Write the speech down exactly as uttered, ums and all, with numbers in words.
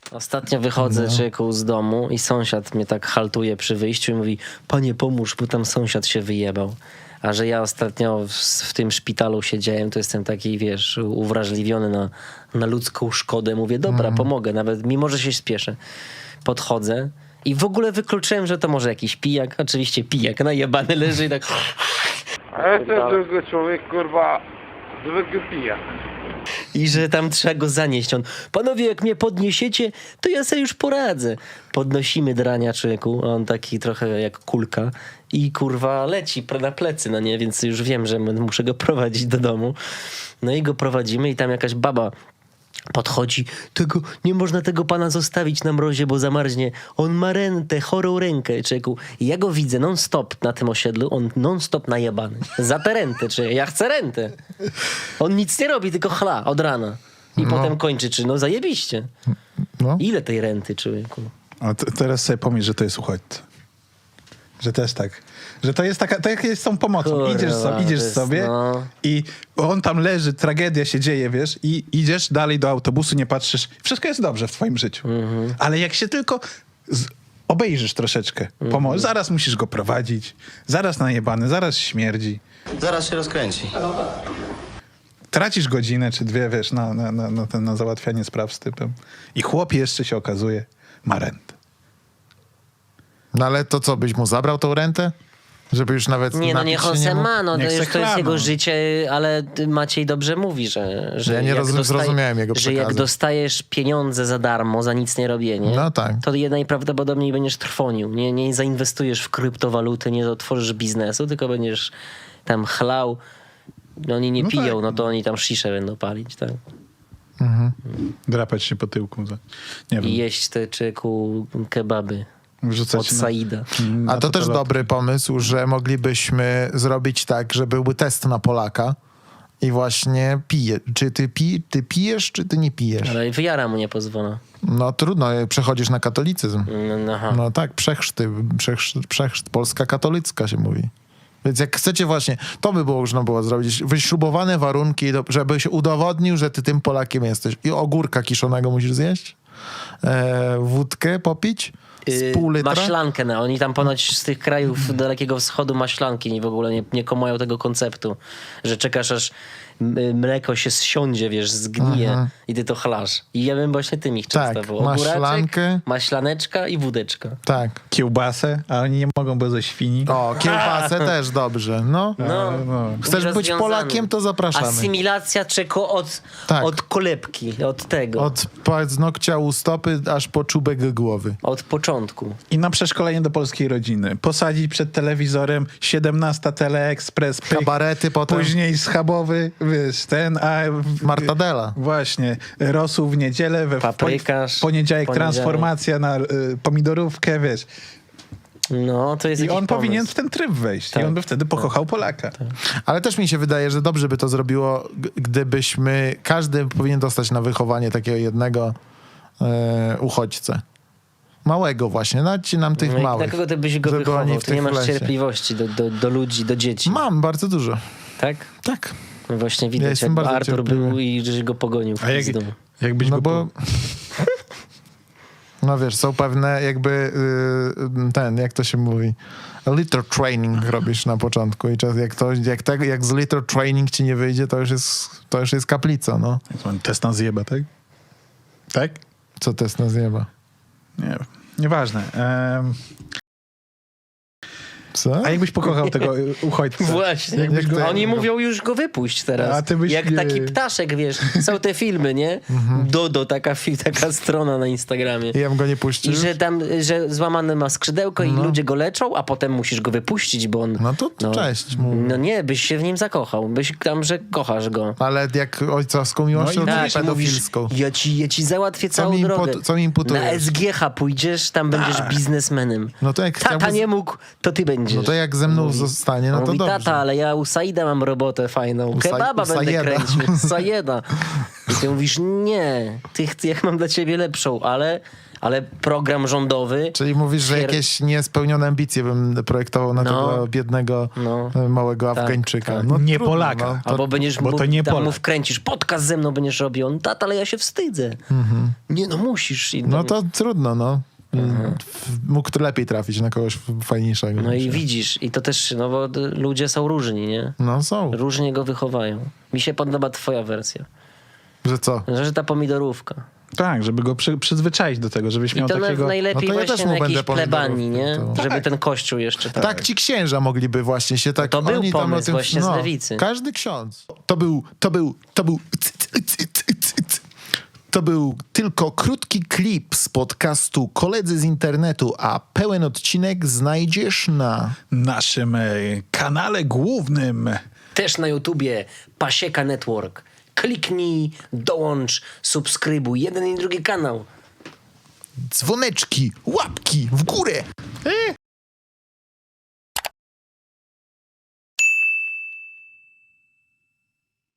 Ostatnio wychodzę, No. człowieku, z domu i sąsiad mnie tak haltuje przy wyjściu i mówi: panie, pomóż, bo tam sąsiad się wyjebał. A że ja ostatnio w, w tym szpitalu siedziałem, to jestem taki, wiesz, uwrażliwiony na, na ludzką szkodę. Mówię, dobra, Mhm. pomogę, nawet mimo, że się spieszę. Podchodzę i w ogóle wykluczyłem, że to może jakiś pijak. Oczywiście pijak, najebany leży i tak... A ja jestem zwykły człowiek, kurwa, zwykły pijak. I że tam trzeba go zanieść. On, panowie, jak mnie podniesiecie, to ja sobie już poradzę. Podnosimy drania, człowieku, on taki trochę jak kulka i kurwa leci pre- na plecy, no nie, więc już wiem, że muszę go prowadzić do domu. No i go prowadzimy i tam jakaś baba podchodzi, tego, nie można tego pana zostawić na mrozie, bo zamarznie. On ma rentę, chorą rękę, człowieku. I ja go widzę non-stop na tym osiedlu, on non-stop najebany. Za tę rentę, czy ja chcę rentę. On nic nie robi, tylko chla od rana. I No. potem kończy, czy no zajebiście. No. Ile tej renty, człowieku? A t- teraz sobie pomyśl, że to jest uchodźca. Że też tak. Że to jest taka, tak jest z tą pomocą. Kurwa, idziesz so, idziesz to jest, sobie no. i on tam leży, tragedia się dzieje, wiesz, i idziesz dalej do autobusu, nie patrzysz. Wszystko jest dobrze w twoim życiu. Mhm. Ale jak się tylko z, obejrzysz troszeczkę, Mhm. pomo- zaraz musisz go prowadzić, zaraz najebany, zaraz śmierdzi. Zaraz się rozkręci. Tracisz godzinę czy dwie, wiesz, na, na, na, na, ten, na załatwianie spraw z typem. I chłop jeszcze się okazuje, ma rentę. No ale to co, byś mu zabrał tą rentę? Żeby już nawet Nie, no napić niech się on nie se mógł? ma, no to, Niech se już to jest chla, jego no. życie, ale Maciej dobrze mówi, że, że Ja nie jak rozum- zrozumiałem jego że jak przekazu. dostajesz pieniądze za darmo, za nic nie robienie, No tak. to je najprawdopodobniej będziesz trwonił. Nie, nie zainwestujesz w kryptowaluty, nie otworzysz biznesu, tylko będziesz tam chlał. No oni nie No piją, tak. no to oni tam sziszę będą palić, tak? Drapać się po tyłku. Za, nie I wiem, jeść te czeku kebaby wrzucać od na- Saida. na A to też totaloty. dobry pomysł, że moglibyśmy zrobić tak, że byłby test na Polaka i właśnie pije. Czy ty, pi, ty pijesz, czy ty nie pijesz? Ale wyjara mu nie pozwala. No trudno, przechodzisz na katolicyzm. No, aha. No tak, przechrzty, przechrzt, przechrzt, Polska katolicka się mówi. Więc jak chcecie właśnie, to by było można było zrobić, wyśrubowane warunki, do- żeby się udowodnił, że ty tym Polakiem jesteś. I ogórka kiszonego musisz zjeść, e, wódkę popić, z pół Yy, litra. maślankę, no. Oni tam ponoć z tych krajów Dalekiego Wschodu maślanki nie w ogóle nie, nie komają tego konceptu, że czekasz aż m- mleko się zsiądzie, wiesz, zgnije i ty to chlasz. I ja bym właśnie tym ich Tak, częstował. Ogóraczek, maślankę. maślaneczka i wódeczka. Tak. Kiełbasę, a oni nie mogą, bo ze świni. O, kiełbasę też dobrze, no. No, no. Chcesz być rozwiązany. Polakiem, to zapraszamy. Asymilacja czeko od, Tak. od kolebki, od tego, od, Od paznokcia u stopy aż po czubek głowy. początku. I na przeszkolenie do polskiej rodziny. Posadzić przed telewizorem siedemnasta Teleekspres, pyk, Kabarety potem. później schabowy, wiesz, ten, a... w- Martadela. Właśnie. Rosół w niedzielę, we w Paprykarz, poniedziałek, poniedziałek. transformacja na y, pomidorówkę, wiesz. No, to jest I jakiś on pomysł. powinien w ten tryb wejść. Tak. I on by wtedy pokochał Polaka. Ale też mi się wydaje, że dobrze by to zrobiło, g- gdybyśmy, każdy powinien dostać na wychowanie takiego jednego e, uchodźcę. Małego właśnie, dajcie nam tych No i małych. dla kogo ty byś go żeby wychował? oni w Ty nie tych masz lesie. cierpliwości do, do, do ludzi, do dzieci. Mam bardzo dużo. Tak? Tak. No właśnie widać, jestem jak bardzo Artur cierpliwy. był i żeś go pogonił w A jak, pizdu. jakbyś No go... bo... po- No wiesz, są pewne jakby y, ten, jak to się mówi, little training robisz na początku i czas, jak, to, jak, tego, jak z little training ci nie wyjdzie, to już jest, to już jest kaplica, no. Test na zjeba, tak? Tak? Co test na zjeba? Nie wiem. Nieważne. Um, Co? a jakbyś pokochał tego y, uchodźcę? Właśnie. Jak to- Oni mówią już go wypuść teraz. A ty byś Jak nie- taki ptaszek, wiesz. Są te filmy, nie? Dodo, taka, fi- taka strona na Instagramie. I ja bym go nie puścił? I że tam, że złamane ma skrzydełko i ludzie go leczą, a potem musisz go wypuścić, bo on... No to, to cześć. Mówię. No nie, byś się w nim zakochał. Byś tam, że kochasz go. Ale jak ojcowską miłością, No i no tak, czy pedofilską? ja ci, ja ci załatwię Co całą mi drogę. impu- co mi imputujesz? Na S G H pójdziesz, tam będziesz biznesmenem. No to jak Tata chciałby- nie mógł, to ty będziesz. No to jak ze mną zostanie, no to Mówi, dobrze. tata, ale ja u Saida mam robotę fajną. U Sa- Kebaba u będę Sajeda. kręcił. Sajeda. I ty mówisz, nie, ty, ty, jak mam dla ciebie lepszą, ale, ale program rządowy... Czyli mówisz, że Pier- jakieś niespełnione ambicje bym projektował na No. tego biednego No. e, małego Tak, Afgańczyka. tak. No, Nie trudno, Polaka. No, to, Albo będziesz bo mu, to nie tam mu Polak. wkręcisz, podcast ze mną będziesz robił. On, tata, ale ja się wstydzę. Nie, no musisz. I no to trudno, no. W- Mógł to lepiej trafić na kogoś fajniejszego. No i myślę. widzisz, i to też, no bo d- ludzie są różni, nie? No są. Różnie go wychowają. Mi się podoba twoja wersja. Że co? Że ta pomidorówka. Tak, żeby go przy, przyzwyczaić do tego, żebyś I miał to na, takiego... najlepiej No to ja właśnie też na mu jakiejś będę plebanii, nie? pomidorówki, to- Żeby Tak. ten kościół jeszcze tak. Tak, ci księża mogliby właśnie się tak... To był oni tam o pomysł tym- właśnie z lewicy. Każdy ksiądz. To był, to był, to był... To był tylko krótki klip z podcastu Koledzy z internetu, a pełen odcinek znajdziesz na... naszym e, kanale głównym. Też na YouTubie Pasieka Network. Kliknij, dołącz, subskrybuj. Jeden i drugi kanał. Dzwoneczki, łapki w górę. E?